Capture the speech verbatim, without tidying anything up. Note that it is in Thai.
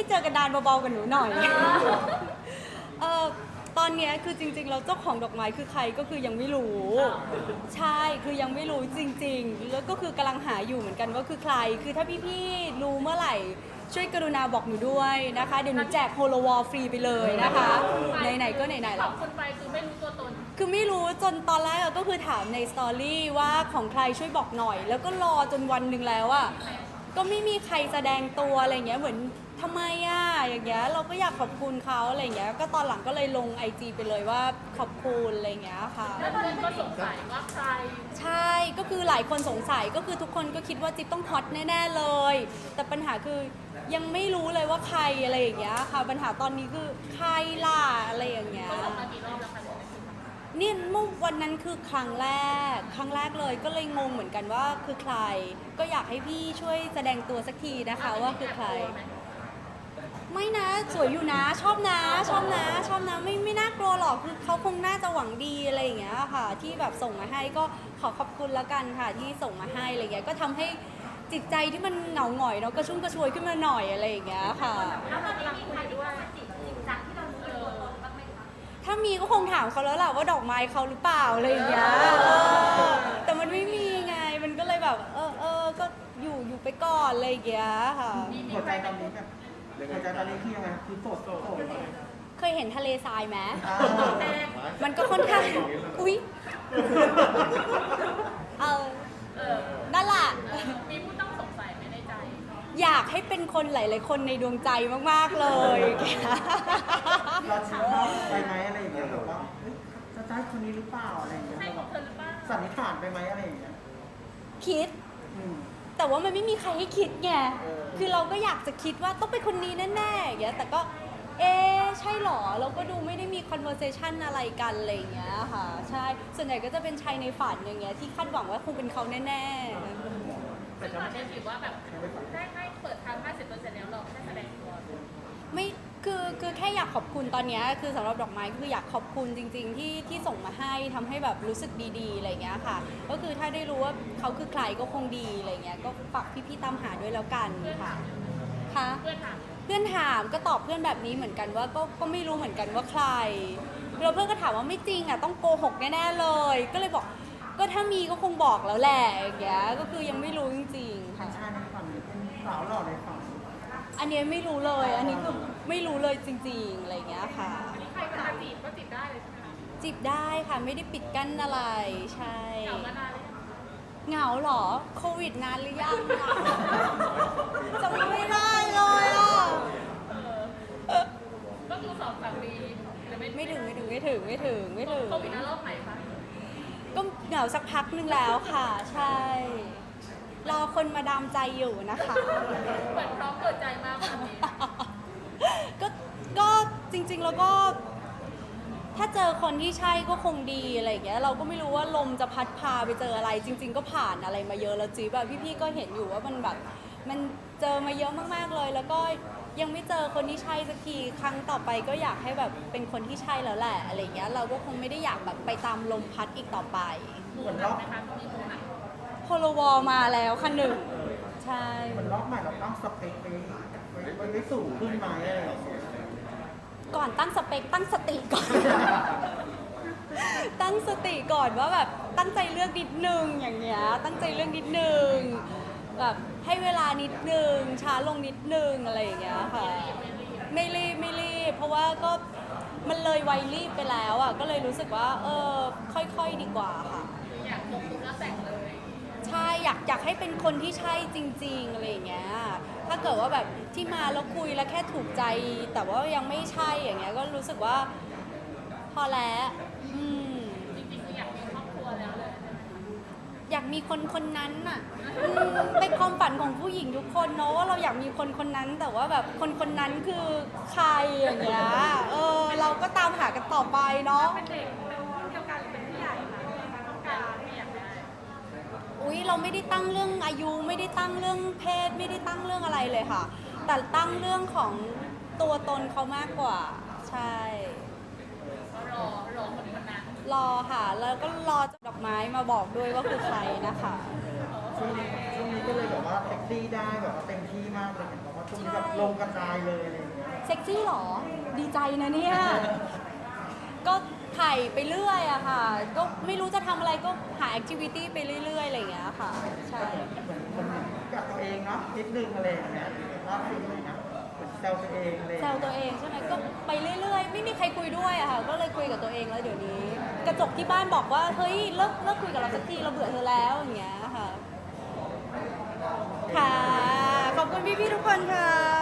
เจอกันดานเบาๆกับหนูหน่อยเออตอนเนี้ยคือจริงๆเราเจ้าของดอกไม้คือใครก็คือยังไม่รู้ใช่คือยังไม่รู้จริงๆแล้วก็คือกำลังหาอยู่เหมือนกันว่าคือใครคือถ้าพี่ๆรู้เมื่อไหร่ช่วยกรุณาบอกหนูด้วยนะคะเดี๋ยวหนูแจกโฮโลวอลฟรีไปเลยนะคะไหนๆก็ไหนๆขแล้อวบคุณไปคือไม่รู้ตัวตนคือไม่รู้จนตอนแรกอะก็คือถามในสตอรี่ว่าของใครช่วยบอกหน่อย แล้วก็รอจนวันหนึ่งแล้วอะก็ไม่มีใครแสดงตัวอะไรเงี้ยเหมือนทำไมอะอย่างเงี้ยเราก็อยากขอบคุณเขาอะไรเงี้ยก็ตอนหลังก็เลยลงไอจีไปเลยว่าขอบคุณอะไรเงี้ยค่ะแล้วเพื่อนก็สงสัยว่าใครใช่ก็คือหลายคนสงสัยก็คือทุกคนก็คิดว่าจิ๊บต้องฮอตแน่ๆเลย แต่ปัญหาคือยังไม่รู้เลยว่าใครอะไรอย่างเงี้ยค่ะปัญหาตอนนี้คือใครล่ะอะไรอย่างเงี้ยก็ส่งมากี่รอบแล้วคะนี่เมื่อวันนั้นคือครั้งแรก ครั้งแรกเลยก็เลยงงเหมือนกันว่าคือใคร ก็อยากให้พี่ช่วยแสดงตัวสักทีนะคะว่าคือใคร ไม่นะสวยอยู่นะชอบนะชอบนะชอบนะไม่ไม่น่ากลัวหรอกคือเขาคงน่าจะหวังดีอะไรอย่างเงี้ยค่ะ ที่แบบส่งมาให้ก็ขอขอบคุณแล้วกันค่ะที่ส่งมาให้อะไรเงี้ยก็ทำให้จิตใจที่มันเหงาหงอยเนาะก็ชุ่มกระชวยขึ้นมาหน่อยอะไรอย่างเงี้ยค่ะแล้วตอนนี้มีใครด้วยจิตจิตจังที่เรารู้ตัวตนบ้างไหมคะถ้ามีก็คงถามเขาแล้วแหละว่าดอกไม้เขาหรือเปล่าอะไรอย่างเงี้ยเออแต่มันไม่มีไง มันก็เลยแบบ เออเออก็อยู่อยู่ไปก่อนอะไรอย่างเงี้ยค่ะหัวใจตอนนี้แบบหัวใจตอนนี้คือยังไงคือโสดโสดเคยเห็นทะเลทรายไหมอ่ามันก็ค่อนข้าง อุ๊ย เออเออนั่นแหละมีผู้ต้องสงสัยไหมในใจอยากให้เป็นคนหลาย ๆ คนในดวงใจมาก ๆ เลยเราชิมเขาไปไหมอะไรอย่างเงี้ยแบบว่าเอ้ยจะใช่คนนี้หรือเปล่าอะไรอย่างเงี้ยใช่เราขแบองบเธอหรือเปล่าสันนิษฐานไปไหมอะไรอย่างเงี้ยคิดอืมแต่ว่ามันไม่มีใครให้คิดไงเออคือเราก็อยากจะคิดว่าต้องเป็นคนนี้แน่ๆอย่างเงี้ย แต่ก็ เอ๊ะใช่หรอ เราก็ดูไม่ได้มี conversation อะไรกันอะไรอย่างเงี้ยค่ะ ใช่ ส่วนใหญ่ก็จะเป็นชายในฝันอย่างเงี้ยที่คาดหวังว่าคงเป็นเขาแน่ๆซึ่งตอนนี้ถือว่าแบบได้ให้เปิดทาง ห้าสิบเปอร์เซ็นต์ แล้วเราแค่แสดงตัวไม่คือคือแค่อยากขอบคุณตอนเนี้ยคือสำหรับดอกไม้คืออยากขอบคุณจริง ๆ ที่ที่ส่งมาให้ทำให้แบบรู้สึกดีๆอะไรอย่างเงี้ยค่ะ ก็คือถ้าได้รู้ว่าเขาคือใครก็คงดีอะไรเงี้ยก็ฝากพี่ๆตามหาด้วยแล้วกันค่ะค่ะเพื่อนถามเพื่อนถามก็ตอบเพื่อนแบบนี้เหมือนกันว่าก็ก็ไม่รู้เหมือนกันว่าใครแล้วเพื่อนก็ถามว่าไม่จริงอ่ะต้องโกหกแน่ๆเลย ก็เลยบอกก็ถ้ามีก็คงบอกแล้วแหละอย่างเงี้ยก็คือยังไม่รู้จริงๆเป็ค่ะนชายในฝันหรือเป็นสาวหล่อในฝันอันเนี้ยไม่รู้เลย อันนี้คือไม่รู้เลยจริงๆ อะไรอย่างเงี้ยค่ะอันนี้ใครจะมาจีบก็จีบได้เลยใช่ไหมคะจีบได้ค่ะ ไม่ได้ปิดกั้นอะไร ใช่เหงามานานเลยงเหงาเหรอ โควิดนานหรือยังอะจำไม่ได้เลยอ่ะเออก็คือสองสามปีหรือไม่ไม่ถึงไม่ถึงไม่ถึงไม่ถึงไม่ถึงโควิดนะรอบไหนคะก็เหงาสักพักหนึงแล้วค่ะ ใช่ รอคนมาดามใจอยู่นะคะเหมือนพร้อมเปิดใจมากวันนี้ก็ก็จริงๆแล้วก็ ถ้าเจอคนที่ใช่ก็คงดีอะไรอย่างเงี้ยเราก็ไม่รู้ว่าลมจะพัดพาไปเจออะไร จริง ๆ ก็ผ่านอะไรมาเยอะแล้วจีแบบพี่ๆก็เห็นอยู่ว่ามันแบบ มันเจอมาเยอะมากๆเลย แล้วก็ยังไม่เจอคนที่ใช่สักทีครั้งต่อไปก็อยากให้แบบเป็นคนที่ใช่แล้วแหละอะไรอย่างเงี้ยเราก็คงไม่ได้อยากแบบไปตามลมพัดอีกต่อไปมูหนักไหมคะมีมูหนักโฮโลวอลมาแล้วค่ะหนึ่งใช่เหมือนรอบใหม่เราตั้งสเปคไปไปไปไปสูงขึ้นไหมอะไรอย่างเงี้ยก่อนตั้งสเปคตั้งสติก่อน ตั้งสติก่อนว่าแบบตั้งใจเลือกนิดนึงอย่างเงี้ยตั้งใจเลือกนิดนึงแบบให้เวลานิดนึงช้าลงนิดนึงอะไรอย่างเงี้ยค่ะไม่รีบไม่รีบเพราะว่าก็มันเลยวัยรีบไปแล้วอ่ะก็เลยรู้สึกว่าเออค่อยๆดีกว่าค่ะคืออยากคบปุ๊บแล้วแต่งเลยใช่อยากอยากให้เป็นคนที่ใช่จริงๆอะไรอย่างเงี้ยถ้าเกิดว่าแบบที่มาแล้วคุยแล้วแค่ถูกใจ แต่ว่ายังไม่ใช่อย่างเงี้ยก็รู้สึกว่าพอแล้วอืมจริงๆคืออยากมีครอบครัวแล้วเลยอยากมีคนคนนั้นน่ะอืมเป็นความฝันของผู้หญิงทุกคนเนาะว่าเราอยากมีคนคนนั้น แต่ว่าแบบคนคนนั้นคือใครอย่างเงี้ยเออเราก็ตามหากันต่อไปเนาะเป็นเด็กเป็นรุ่นเดียวกันหรือเป็นผู้ใหญ่คะต้องการที่อยากได้อุ๊ยเราไม่ได้ตั้งเรื่องอายุไม่ได้ตั้งเรื่องเพศไม่ได้ตั้งเรื่องอะไรเลยค่ะ แต่ตั้งเรื่องของตัวตนเขามากกว่าใช่ก็รอรอคนคนนั้นรอค่ะ แล้วก็รอดอกไม้มาบอกด้วยว่าคือใครนะคะเออช่วงนี้ช่วงนี้ก็เลยแบบว่าเซ็กซี่ได้แบบว่าเต็มที่มากเลยเห็นบอกว่าช่วงนี้แบบลงกระจายเลยอะไรอย่างเงี้ยเซ็กซี่เหรอ ดีใจนะเนี่ย ก็ถ่ายไปเรื่อยอะค่ะ ก็ไม่รู้จะทำอะไรก็หาแอคทิวิตี้ไปเรื่อยๆอะไรอย่างเงี้ยค่ะ ใช่เหมือนคนกับตัวเองเนาะนิดนึงอะไรอย่างเงี้ยว่าคืออะไรนะเหมือนแซวตัวเองอะไรแซวตัวเองใช่ไหมก็ไปเรื่อยๆ ไม่มีใครคุยด้วยอะค่ะ ก็เลยคุยกับตัวเองแล้วเดี๋ยวนี้ กระจกที่บ้านบอกว่า เฮ้ยเลิกเลิกคุยกับเราสักทีเราเบื่อเธอแล้วอย่างเงี้ยค่ะ ค่ะ ขอบคุณพี่ๆทุกคนค่ะ